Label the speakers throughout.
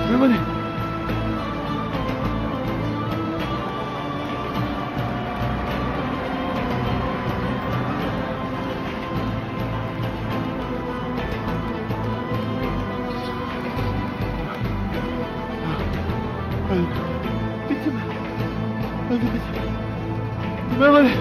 Speaker 1: Memoli. Öldü. Bitti mi? Öldü bitti. Memoli.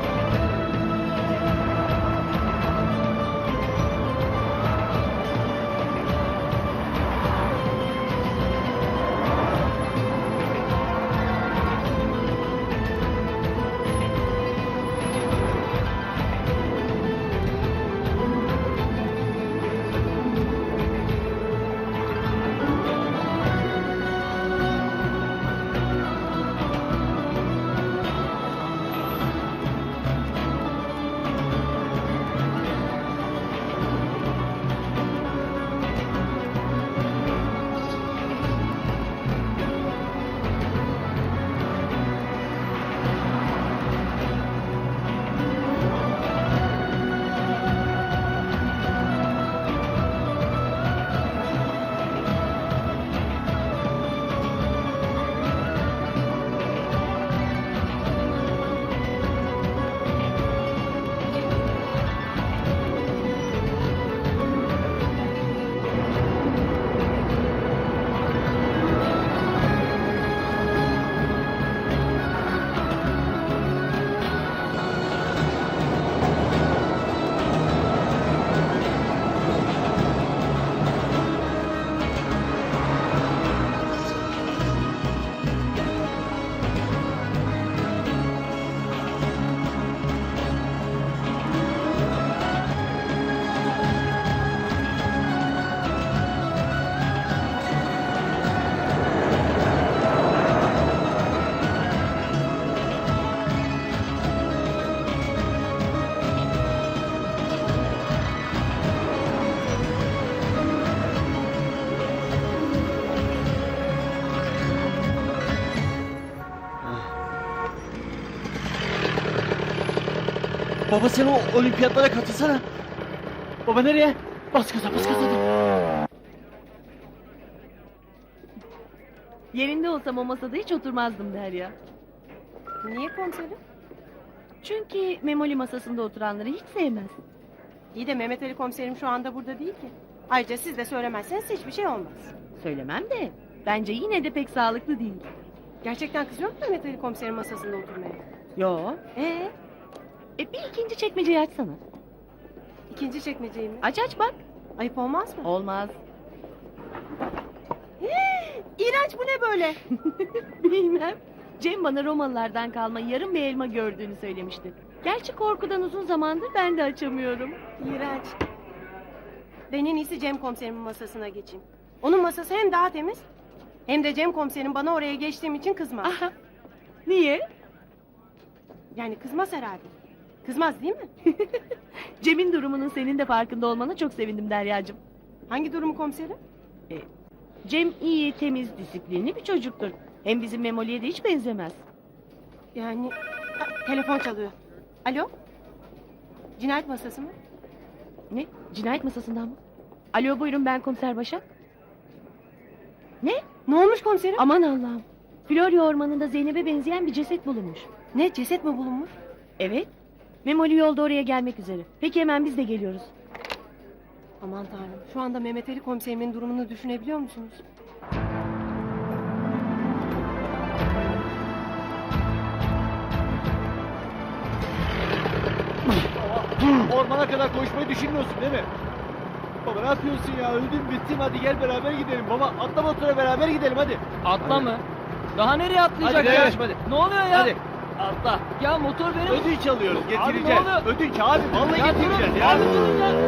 Speaker 1: Baba sen o olimpiyatlara katılsana. Baba nereye? Bas gaza bas gaza.
Speaker 2: Yerinde olsam o masada hiç oturmazdım Derya.
Speaker 3: Niye komiserim?
Speaker 2: Çünkü Memoli masasında oturanları hiç sevmez.
Speaker 3: İyi de Mehmet Ali komiserim şu anda burada değil ki. Ayrıca siz de söylemezseniz hiçbir şey olmaz.
Speaker 2: Söylemem de bence yine de pek sağlıklı değil.
Speaker 3: Gerçekten kızıyor mu Mehmet Ali komiserin masasında oturmaya?
Speaker 2: Yo. Bir ikinci çekmeceyi açsana.
Speaker 3: İkinci çekmeceyi mi?
Speaker 2: Aç aç bak.
Speaker 3: Ayıp olmaz mı?
Speaker 2: Olmaz.
Speaker 3: İğrenç, bu ne böyle?
Speaker 2: Bilmem. Cem bana Romalılardan kalma yarım bir elma gördüğünü söylemişti. Gerçi korkudan uzun zamandır ben de açamıyorum.
Speaker 3: İğrenç. Ben en iyisi Cem komiserimin masasına geçeyim. Onun masası hem daha temiz... ...hem de Cem komiserim bana oraya geçtiğim için kızmaz.
Speaker 2: Aha. Niye?
Speaker 3: Yani kızmaz herhalde. Kızmaz değil mi?
Speaker 2: Cem'in durumunun senin de farkında olmana çok sevindim Deryacığım.
Speaker 3: Hangi durumu komiserim?
Speaker 2: Cem iyi, temiz, disiplinli bir çocuktur. Hem bizim Memoli'ye de hiç benzemez.
Speaker 3: Yani... telefon çalıyor. Alo? Cinayet masası mı?
Speaker 2: Ne? Cinayet masasından mı? Alo buyurun ben komiser Başak. Ne?
Speaker 3: Ne olmuş komiserim?
Speaker 2: Aman Allah'ım. Florya ormanında Zeynep'e benzeyen bir ceset bulunmuş.
Speaker 3: Ne, ceset mi bulunmuş?
Speaker 2: Evet. Memoli yolda oraya gelmek üzere. Peki hemen biz de geliyoruz.
Speaker 3: Aman tanrım, şu anda Mehmet Ali komiserimin durumunu düşünebiliyor musunuz?
Speaker 1: Ormana kadar koşmayı düşünmüyorsun değil mi? Baba ne yapıyorsun ya? Öldüm bittim, hadi gel beraber gidelim. Baba atla motora beraber gidelim hadi.
Speaker 4: Atla mı? Daha nereye atlayacak
Speaker 1: Hadi
Speaker 4: ya?
Speaker 1: kardeşim, hadi.
Speaker 4: Ne oluyor ya?
Speaker 1: Hadi atla.
Speaker 4: Ya motor benim.
Speaker 1: Ödünç alıyoruz,
Speaker 4: Abi,
Speaker 1: getireceğiz.
Speaker 4: ne oluyor?
Speaker 1: Ödünç abi, vallahi
Speaker 4: Ya
Speaker 1: getireceğiz
Speaker 4: durun,
Speaker 1: ya.
Speaker 4: abi durun ya.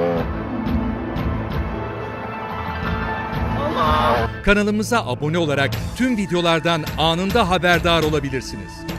Speaker 5: Kanalımıza abone olarak tüm videolardan anında haberdar olabilirsiniz.